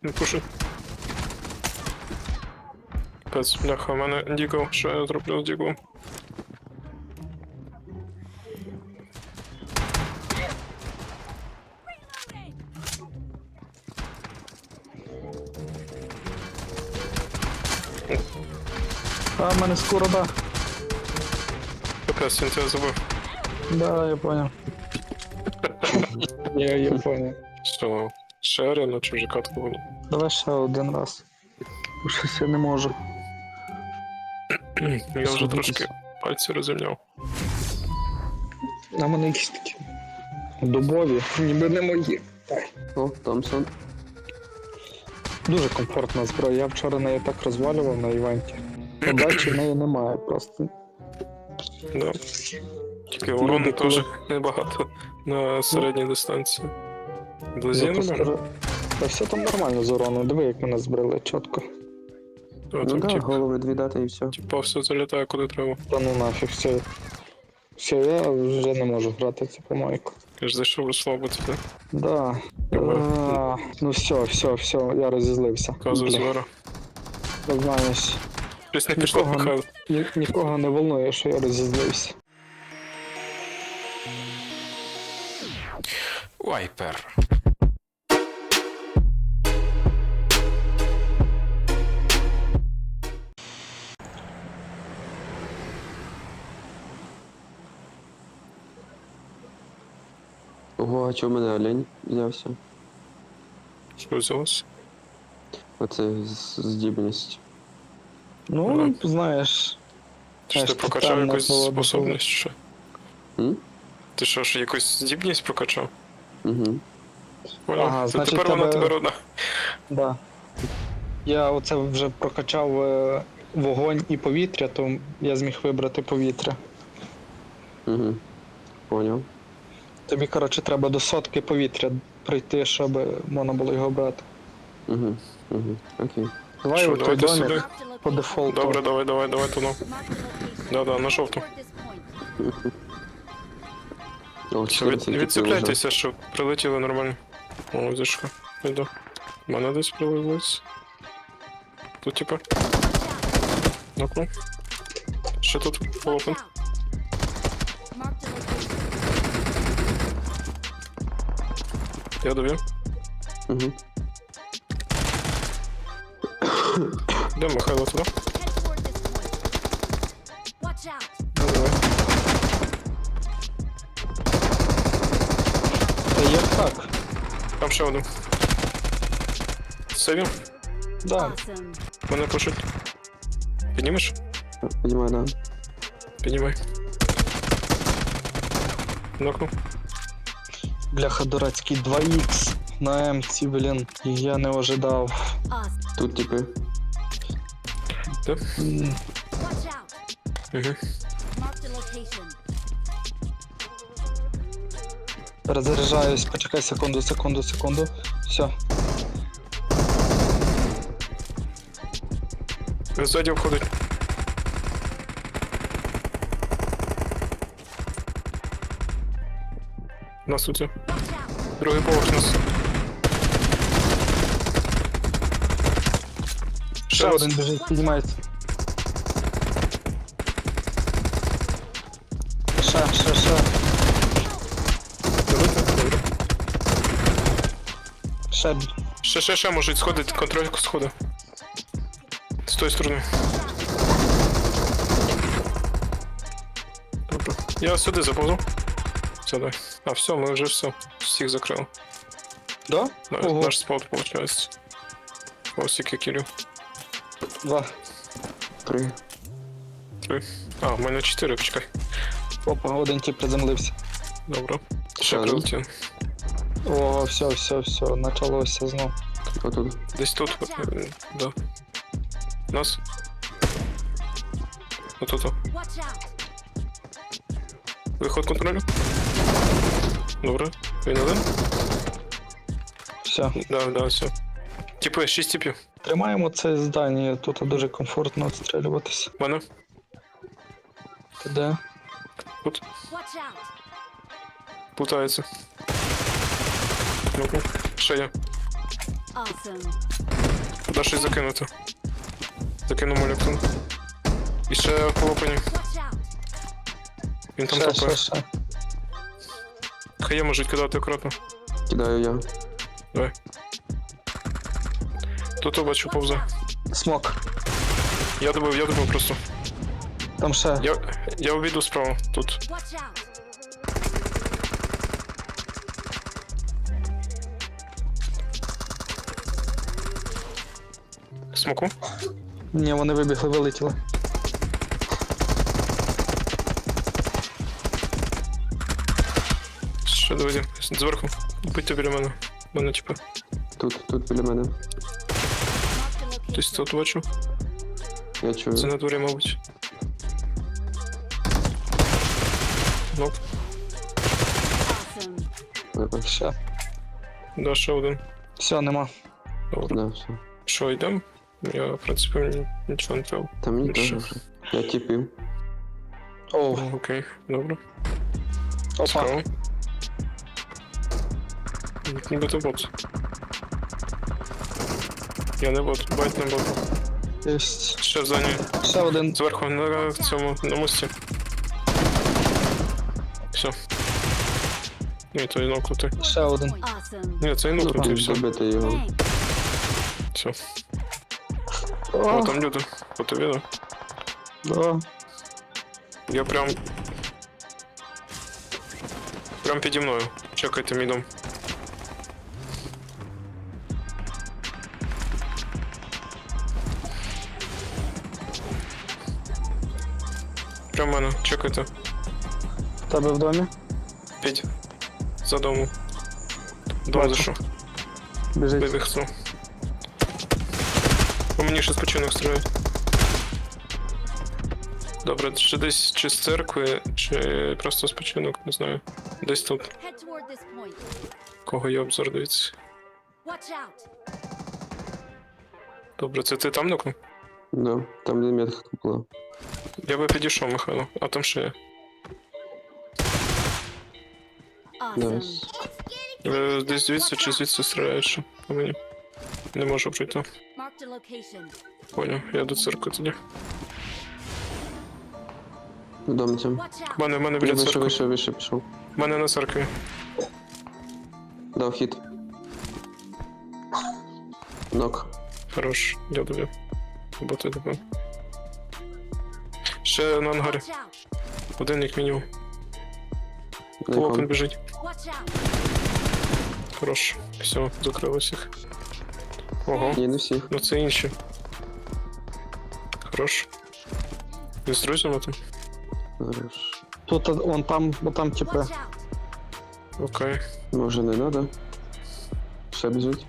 Не пуши. Пес, бляха, у мене дігл. Що я зроблю з діглом? А, в мене скоро, да. Пес, він тебе забив. Да, я понял. Я понял. Все, ще арена, чужака такого. Давай ще один раз. Бо щось я не можу. Я вже трошки пальці розімняв. На мене якісь такі дубові, ніби не мої. О, Томпсон. Дуже комфортна зброя. Я вчора нею так розвалював на івенті. Подачі в неї немає просто. Да. Тільки урону Люди, теж коли- небагато на середній дистанції. Близі Я то нормально? скажу. Та все там нормально з уроном. Диви, як мене збрили чітко. А Ну там да, голови дві дати і все. типа все залітає куди треба. Та ну нафіг, все. Все, я вже не можу грати цю помойку. Я ж зайшов розслабити, так? Да. Ну все, я розізлився. Казу Бля, звера. знаєш, Щось не пішло, Нікого не- Михайло. нікого не волнує, що я розізлився. Вайпер. Ого, а чого в мене олень взявся? Що взялось? Оце здібність. Ну, знаєш. Ти ж ти Знаєш, прокачав тотальна якусь свобода способність, чи що? М? Ти що ж якусь здібність прокачав? Угу. Понял? Ага, То значить, тепер вона тебе- тебе родна. Да. Я оце вже прокачав вогонь і повітря, то я зміг вибрати повітря. Угу. Поняв. Тобі, коротше, треба до 100 повітря прийти, щоб можна було його брати. Угу. Угу. Окей. Давай Що, у той давайте домик сюди. по дефолту. Добре, давай, туно. Да, на жовту. О, Все, 14 типів відцепляйтеся, щоб прилетіли нормально. О, зашка. Йду. У мене десь прилилось. Тут типа. Ну-ка. Ще тут полопен. Я довів. Угу. Де Михайло туди? Watch out! Давай. Та як так? Там ще один. Сейвів? Да. Awesome. Мене пушить. Піднімеш? Піднімаю, да. Піднімай. Нокнув. Бляха дурацький 2х на М-ці, блін. Я не ожидав. Awesome. Тут типи. Де? М, Watch out! Угу. Mark the location. Перезаряджаюсь, почекай секунду. Все. Ззаді входить. Нас тут. Watch out! Другий поверх нас. Ще раз. один біжить, піднімається. Ще. Добре. Ще. Можуть сходити, контрольку сходи. З тої сторони. Добре. Я сюди заповзу. Сюди. А, все, ми вже все. Всіх закрили. Да? Ого. Наш спот, виходить. Ось який кілів. 2. 3. 3. А, в мене 4, почекай. Опа, один тип приземлився. Добре. Ще Ще прилетів. О, все, началося знов. Отут. Десь тут. Да. Нас. Отут. Watch out! Виход контролю. Добре. Він один? Все. Да, все. Типи, 6 типів. Тримаємо це здання, тут дуже комфортно відстрілюватися. Мене. Ти де? Тут. Watch out! Плутається. Ну-ка. Ще є. Awesome. Куди щось закинути? Закинув моліктон. І ще полопані. Watch out. Він там Ще, топає. ще. Хає можуть кидати акуратно. Кидаю я. Давай. Тут я бачу Watch повзе. out. Смок. Я добив просто. Там ще. Я обійду справа. Тут. Watch out. Смоку. Ні, вони вибігли, вилетіли. Ще доведі. Зверху. Будьте біля мене. Мене типу. Тут біля мене. Marked a Десь location. тут бачу. Я чую. Це на дворі, мабуть. Ноп. Awesome. Вибач. Ще. Да, ще один. Все, нема. Добре. Да, все. Що, йдемо? Я, в принципі, нічого не треба. Та мені Більше. теж вже. Я тіпів. Оу, Окей, добре. опа. Цікаво. Ніби то бот. Я не бот, байт не бот. Єсть. Ще в зоні. Ще один. Зверху на цьому, на мості. Все. Ні, то і нокнути. Ще один. Awesome. Ні, це і нокнути, і все. Добити його. Thanks. Все. О, О, там люди. По тобі, да? да. Я прям піді мною. Чекайте мідом. Прям в мене, чекайте. В тебе в домі? Піть. За дому. Дом Бачу. зайшов. Біжить. Вибіг хто. По мені ще спочинок стріляють. Добре, чи десь чи з церкви, чи просто спочинок, не знаю. Десь тут. Head toward this point. Кого є обзор, дивіться. Watch out. Добре, це ти там нокнув? Да, там де метка була. Я би підійшов, Михайло, а там ще є. Awesome. Найс. Десь звідси чи звідси стріляють ще по мені. Не можу пройти. Marked a location. Поняв, я до церкви тоді. В домці. Watch out. В мене Я біля вийшов, церкви. вийшов, пішов. В мене на церкві. Дав хід. Нок. Хорош, я добив. Бо ти добив. Ще на ангарі. Watch out. Один як мінімум. На Полопен якому? біжить. Watch out. Хорош. Все, закрили всіх. Ого, Ні, не всіх. ну це інші. Хорош. Ви з друзями там? Хорош. Тут вон там, бо там типи. Watch out. Окей. Може не надо. Ще біжить.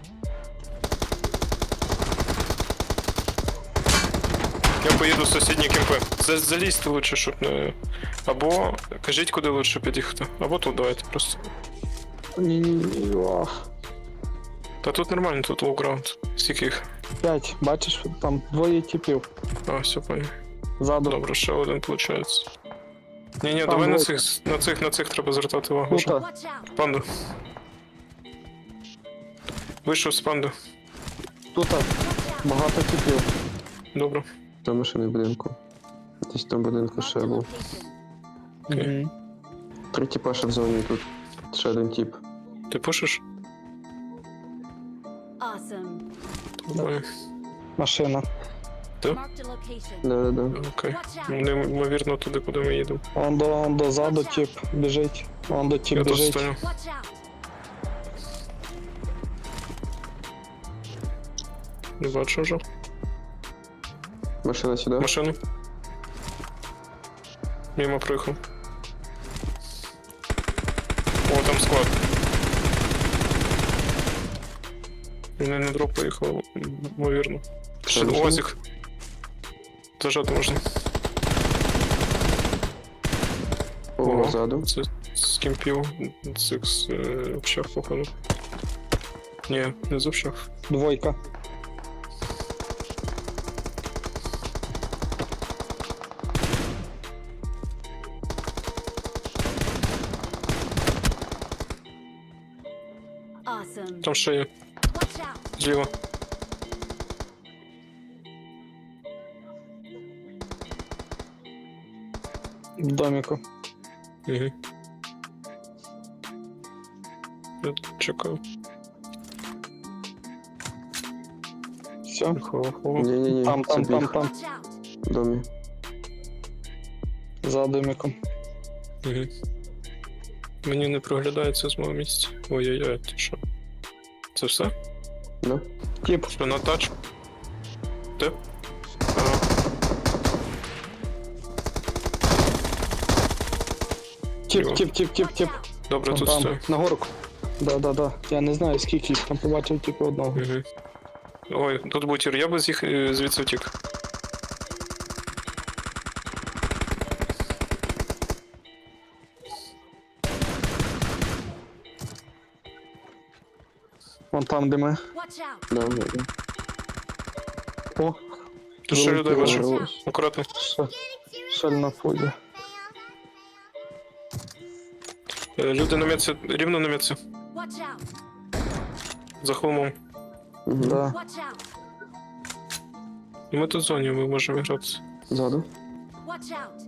Я поїду в сусідні кемпи. Залізьте лучше, щоб не. Або кажіть, куди лучше під'їхати. Або тут давайте просто. Ні-ні-ні. Ох. Та тут нормально, тут лоу-граунд. Скільки їх? 5. Бачиш, там двоє типів. А, все понял. Ззаду. Добре, ще один виходить. Ні, Там давай двоє. на цих треба звертати увагу. Тут. вже. Watch out. Панду. Вийшов з панду. Тут багато типів. Добре. Там машини в будинку. Десь там в будинку Marked ще a був. location. Окей. Мгм. 3 тіпа ще в зоні тут. Ще один тіп. Ти пушиш? Awesome. Нормально. Машина. Marked a location. Да-да-да. Окей. Watch out. Неймовірно туди, куди ми їдемо. Он до заду тип біжить. Он до тип Я тут біжить. стою. Watch out. Не бачу вже. Машина сюди. Машину. Мимо проїхав. О, там склад. Він на дроп поїхав, ймовірно. Ще машина? УАЗик. Зажати можна. Ого, ззаду. Це з кемпів, цих з общак, походу. Ні, не з общак. Двойка. Awesome. Там ще є. Watch out. Зліва. В доміку. Угу. Я чекаю. Все. Хо-хо. Ні-ні-ні, Там. забіг Watch out. в домі. За доміком. Угу. Мені не проглядається з мого місця. Ой-ой-ой, ти що? Це все? Да? Тіп. Що на тач? Ти? Ага. Тіп. Watch out. Добре, тут Там, стою. на горку. Да. Я не знаю, скільки їх там побачив тільки одного. Угу. Ой, тут бутір, я би з їх звідси втік. Вон там, де ми. Watch out. Да. О, Тут ще людей Вилетіло. бачу. Акуратно. шель на фузі. Люди на м'яці, рівно на м'яці. Watch out. За холмом. Угу. Да. Watch out. Ми тут в зоні, ми можемо грати. Ззаду. Watch out.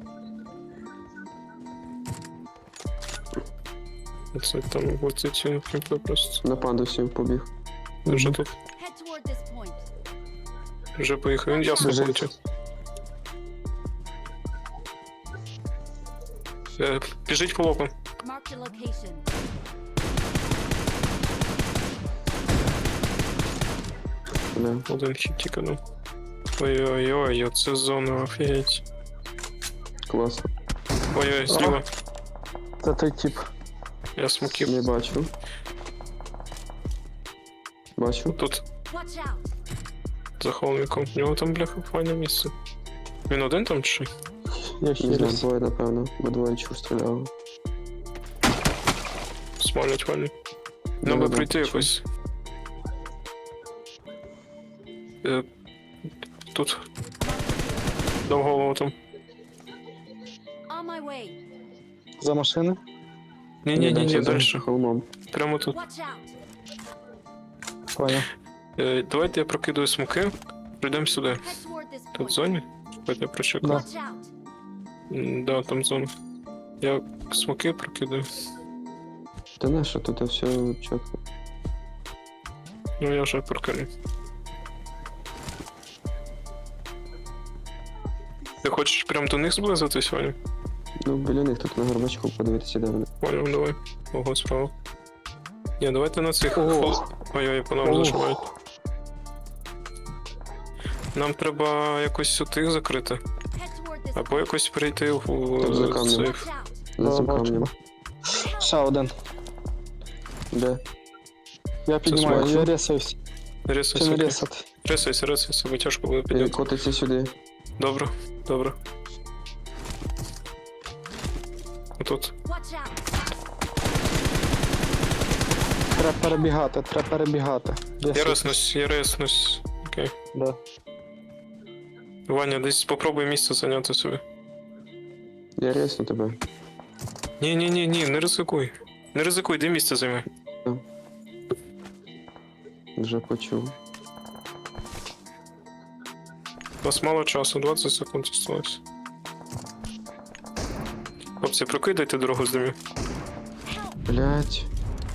Це там летить кімпле просто. На пандусі побіг. Вже тут. Head toward this point. Вже поїхав. Він ясно Біжить. полетів. Біжить по локу. Marked a location. Да. Один хід тільки ну. Ой-ой-ой, оце зона, офігеть. Класно. Ой-ой, зліва. Це той тіп. Я смоків. Не бачу. Бачу. Тут Watch out. за холмиком. У нього там, бляха, файне місце. Він один там чи? що? Я Не знаю, хіріс. двоє, напевно. Бо двоє чув стріляли. Смалять файне. Нам би Да-да-да, прийти чув. якось. Тут. Дав голову там. On my way. За машини? Ні, за дальше. холмом. Прямо тут. Watch out. Понял. Давайте я прокидаю смоки. Прийдемо сюди. Head toward this Тут в point. зоні? Давайте я прочекаю. Да. Watch out. Да, там зона. Я смоки прокидаю. Та не, що тут все чітко. Ну я вже прокину. Ти хочеш прям до них зблизитись, Ваня? Ну, біля них тут на горбачку подивитися, де вони. Понял, давай. Ого, справа. Ні, давайте на цих. Ого. Ой-ой, по нам Ого. зажимають. Нам треба якось у тих закрити. Head toward this Або якось прийти в Там за камнем. сейф. Watch out. За Да, цим бачу. камнем. Ще один. Де? Я піднімаю, бачу. я ресаюсь. Чи не Рисайся, ресати? рисайся, бо тяжко буде підняти. Котиться сюди. Добре. Отут. Watch out. Треба перебігати. Я реснусь. Окей. Да. Ваня, десь попробуй місце зайняти собі. Я ресну тебе. Ні, не ризикуй. Не ризикуй, де місце займи. Вже почув. У нас мало часу, 20 секунд осталось. Хлопці, прокидайте дорогу з домів. Блять.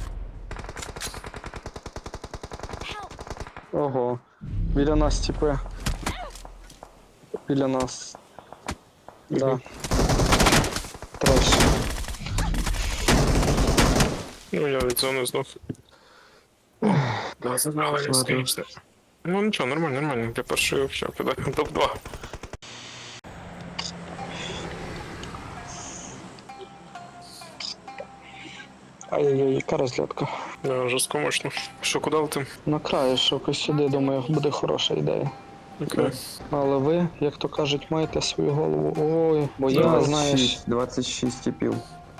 Ого. Біля нас тіпи. Біля нас. Да. Треш. Ну, я від зони знов. Да, забрали, Ладно. звісно. Ну нічого, нормально. Для першої взагалі кидаю топ-2. Ай-яй-яй, яка розглядка. Да, жорстко мощно. Що, куди летим? На краю, що сюди, думаю, буде хороша ідея. Окей. Але ви, як то кажуть, маєте свою голову. Ой, бо я, знаєш, 26 типів.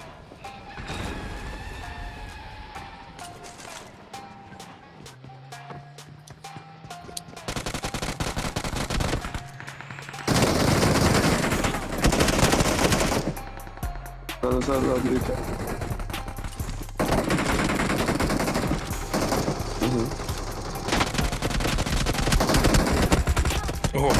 Назад, дивіться. Угу. Ого,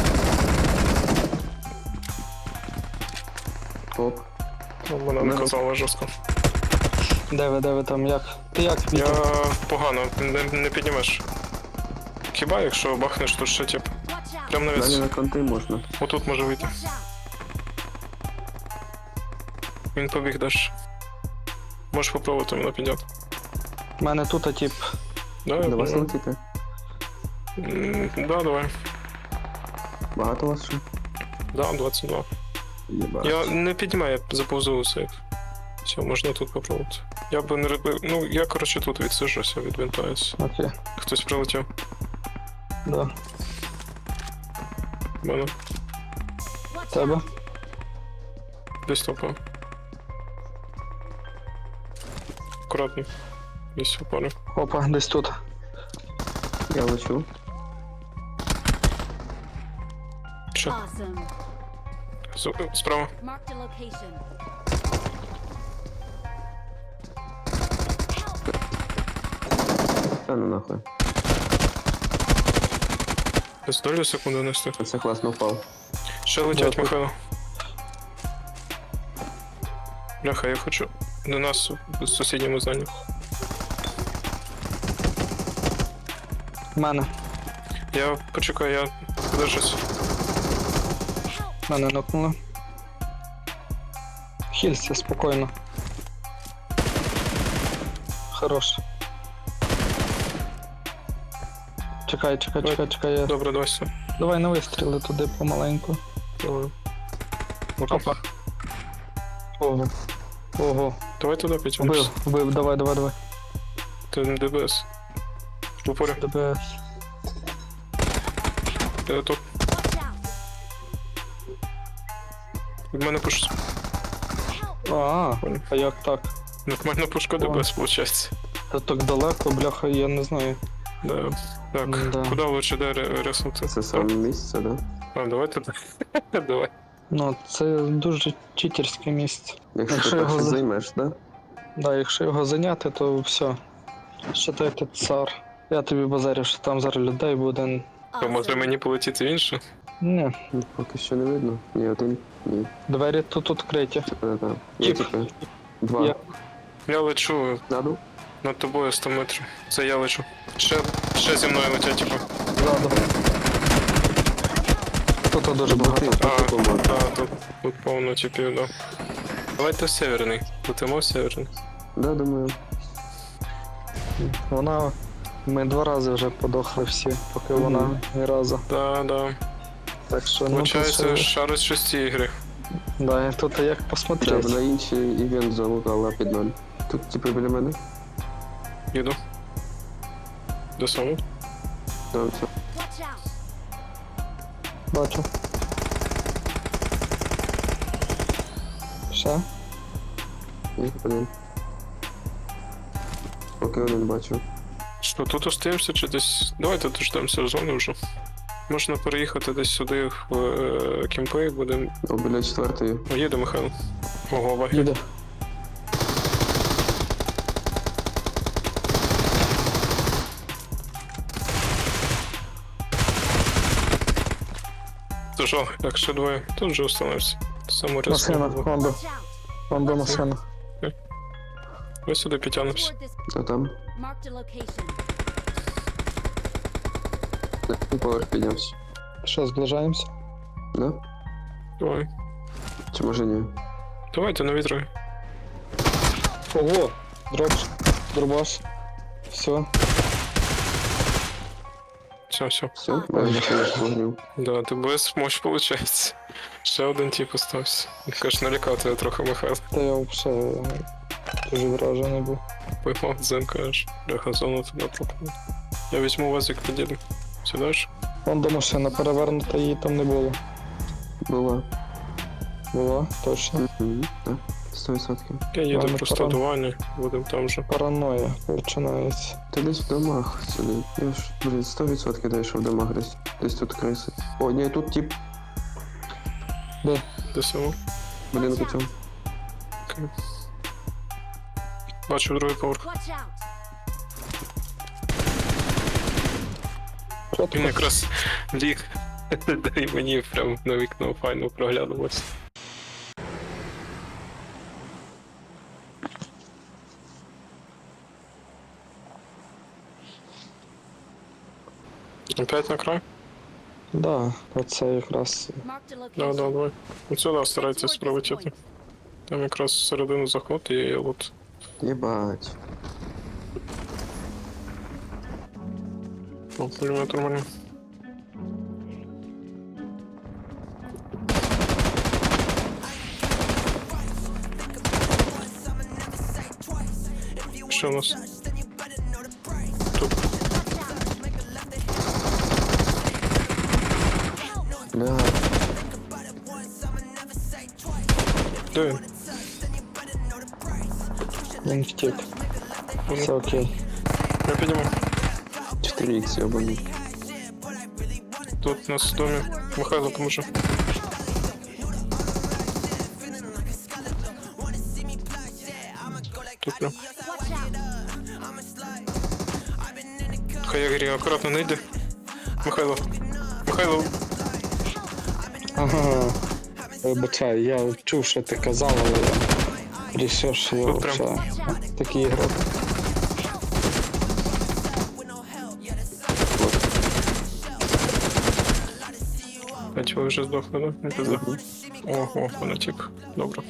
Оп. вона наказала жорстко. Де ви там, як? Ти як, Я Вітя? погано, не піднімеш. Хіба якщо бахнеш, то ще тип. Watch out! Прям Далі навіть на конти можна. отут може вийти. Watch out! Він побіг далі. Можеш попробувати мене підняти. У мене тут, тип, Да, я До вас понимаю. летіти. Да, давай. Багато вас ще? Да, 22. Єбать. Я не піднімаю, я заповзу у сейф. Все, можна тут попробувати. Я би не робив. Ну, я коротше тут відсиджуся, відвинтаюся. окей, Хтось прилетів. да. В мене Watch Тебе? out! десь топа. Акуратно. Десь опори. Опа, десь тут. Я лечу. Що? Awesome. Справа. Mark the location. Та ну нахуй. Десь долю секунди нести. Це класно впав. Ще летять, Да, Михайло. Бляха, я хочу до нас в сусідньому зданні. В мене. Я почекаю, я подержусь. Мене нокнули. Хілься, спокійно. Хорош. Чекай, я... Добре, давай все. Давай на вистріли туди помаленьку. Давай. Опа. Ого. Ого. Давай туди підтягнемося. Вбив, давай. Ти не ДБС. В упорі. ДБС. Я тут. Watch out! Від мене пуш. А як так? Нормально пушка ДБС, виходить. Та так далеко, бляха, я не знаю. Да. Так, Да. куди лучше де реснути? Це саме місце, да? А, давай туди. Давай. Ну, це дуже читерське місце. Якщо Якщо ти його перше за- займеш, да? Да, якщо його зайняти, то все. Считайте цар. Я тобі базарю, що там зараз людей буде. То може мені полетіти в інше? Ні, Ну, поки що не видно. Ні, один. Ні. двері тут відкриті. Да. Є Тіп. типи. Два. Я- Я лечу Наду? над тобою 100 метрів. Це я лечу. Ще зі мною летять, типу. Ззаду. Тут дуже багато. Тут повно типів, да. Давайте в северний. Летимо в северний. Да, думаю. Вона. Ми 2 рази вже подохли всі, поки вона ні разу. Да. Так що ну Получається, тут, шар з 6 ігри. да, тут як Да, посмотреть. вона інший івент залутала під ноль. Тут типи біля мене. Їду. До самого. Да, все. Watch out! Бачу. Ще? Ні, один. Поки один бачу. Що, тут остаємося чи десь. Давайте дождемося зони вже. Можна переїхати десь сюди в кімпи, будемо. О, біля четвертої. О, їде Михайло. Ого, ваги. Їде. Це жал, як ще двоє. Тут вже остановився. Саму Машина, різку. бомба, Watch out! бомба машина. Ми сюди підтягнемося. Toward this. А там? Mark the location. І поверх піднявся. Що, зближаємося? Да? Давай. Чи може ні? Давайте на вітри. Ого! Дробаш. Все. Все. Все? Майже фініш вогнів. Да, ти без мощ виходить. Ще один тип остався. Каже, налякав тебе трохи, Михайло. Та я взагалі дуже вражений був. Поймав дзен, кажеш. Бляха, зону туди пропав. Я візьму вазик, підійду. Сюди ж? Вон до машина перевернута, її там не було. Була. Була, точно. Угу. Так. 100%. Я їду Ладно, просто пора. до Вані, будемо там же. Параноя починається. Ти десь в домах сюди. Я ж, блін, 100% дай, що в домах десь. Десь тут криси. О, ні, тут тип. Де само? Будинку цьому. Бачу другий поверх. Watch out! Що Він тут? якраз ліг І мені прям на вікно файно проглядалось. Опять на край? Да, оце якраз. Marked a Да, location. давай. От сюди старайтесь Towards this пролетіти. point. Там якраз всередину заход і от. Єбать. О, пулемет нормально. Що у нас? Тут. Бля, Де він? Він втік. Все окей. Я підніму. 4х йобаний. Тут у нас в домі. Михайло, поможи. Тут прям. Watch out. Хай я грі, акуратно не йди. Михайло. Михайло. Ага. Вибачай, я чув, що ти казав, але я рішив, що я Тут прям. взагалі такий ігрок. А чого ви вже здохли, да? Не пизда. Ого, вона тип. Добре.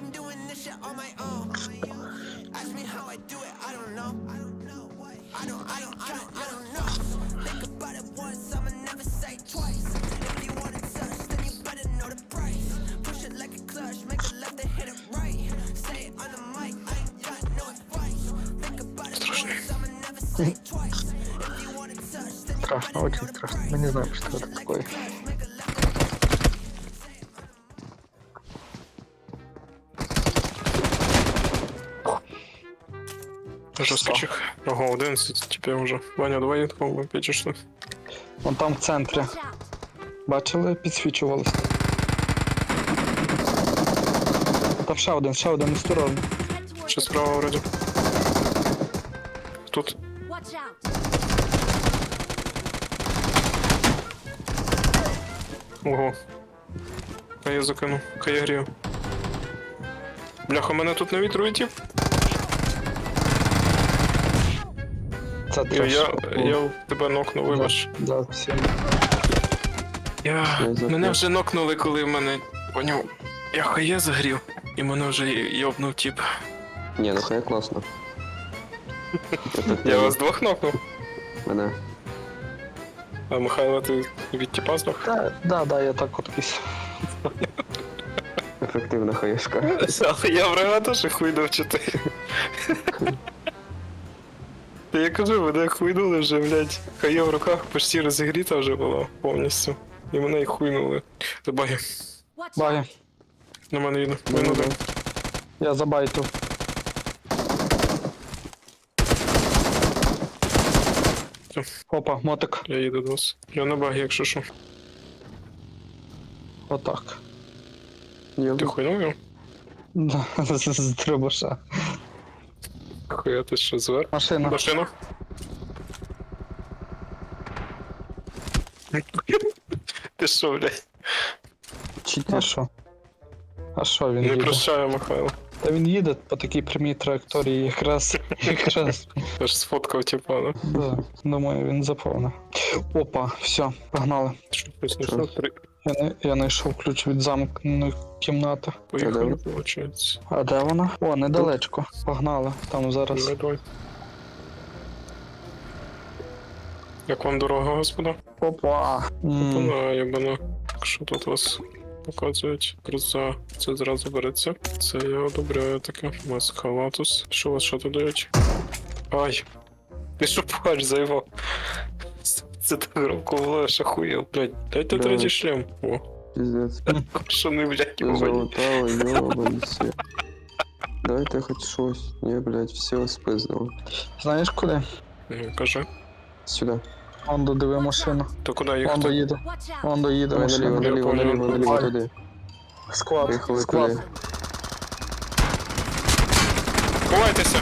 Страшно. Страшно, очень страшно. Мы не знаем, что это такое. Жорсткий. Ого, 11 тепер вже. Ваня, давай відколи підійшли. Вон там в центрі. Watch out. Бачили, підсвічувалось. Та ще один осторожно. Head towards Ще the справа вроді. Тут. Watch out. Ого. Хай я закину. Хай я грію. Бляха, мене тут на вітру тип. Це треш. Я тебе нокнув, вибач. Да, всім. Мене вже нокнули, коли в мене. Поняв. Я хає загрів. І мене вже йобнув тип. Ні, ну хай класно. Я вас двох нокнув. Мене. А Михайло, ти від типа здох? Да, я так от кись. Ефективна хаєшка. Але я врага теж хуйнув чи ти. Та я кажу, мене хуйнули вже, блядь. Хає в руках почти розігріта вже була повністю. І мене й хуйнули. Забаги. Watch out. Баги. На мене їду. Він один. Я забайтив. Опа, мотик. Я їду до вас. Я на багі, якщо що. Отак. Ти Йоба. хуйнув його? Да, з трибуша. Хуя ти що звер? Машина. Машина. Ти що, блядь? А що? А що він Не їде? прощаю, Михайло. Та він їде по такій прямій траєкторії якраз. Я ж сфоткав типа, ну. Да, думаю, він заповнив. Опа, все, погнали. Що щось не знайшов? Я знайшов ключ від замкненої кімнати. Поїхали, Та виходить. А де вона? О, недалечко. Погнали. Там зараз. Давай, давай. Як вам дорога, господа? Опа. Вона єбана. Що тут вас показують? Круза. Це зразу береться. Це я одобряю таке. Масхалатус. Що у вас що тут дають? Ай! Ти що плач заїбав? Це так громко було, я ж охуєв. Блядь, дайте Да. третій шлем. О, Піздець. куршуни, блядь, Ти ебані. залутали, йобанці. Дайте хоч щось. Ні, блядь, все спиздило. Знаєш куди? Ну, кажи. Сюди. Ондо диви машину. То куди Ондо їхати? їде. Watch out. Ондо їде Давай наліво, машина. наліво, понял. наліво, наліво, Давай. туди. Склад. Поїхали Склад. туди. Ховайтеся!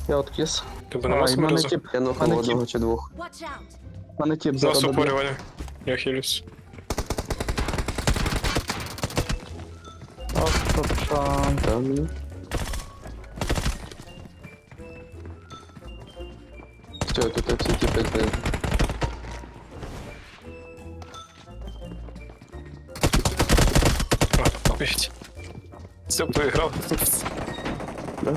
Я откис. Тебе А, нема і в мене смерзу? тип, Я нокнув Мене одного чи двох. Watch out! в мене тип Нас зараз доб'є. упорювання. Я хилюсь. Ох, папа. Там мені. Все, тут всі типи знизу. А, опять. Все, поиграл. Да?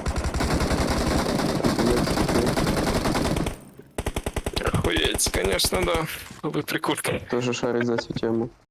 Охуеть, конечно, да. Вы прикольно. Тоже шарить за цю тему.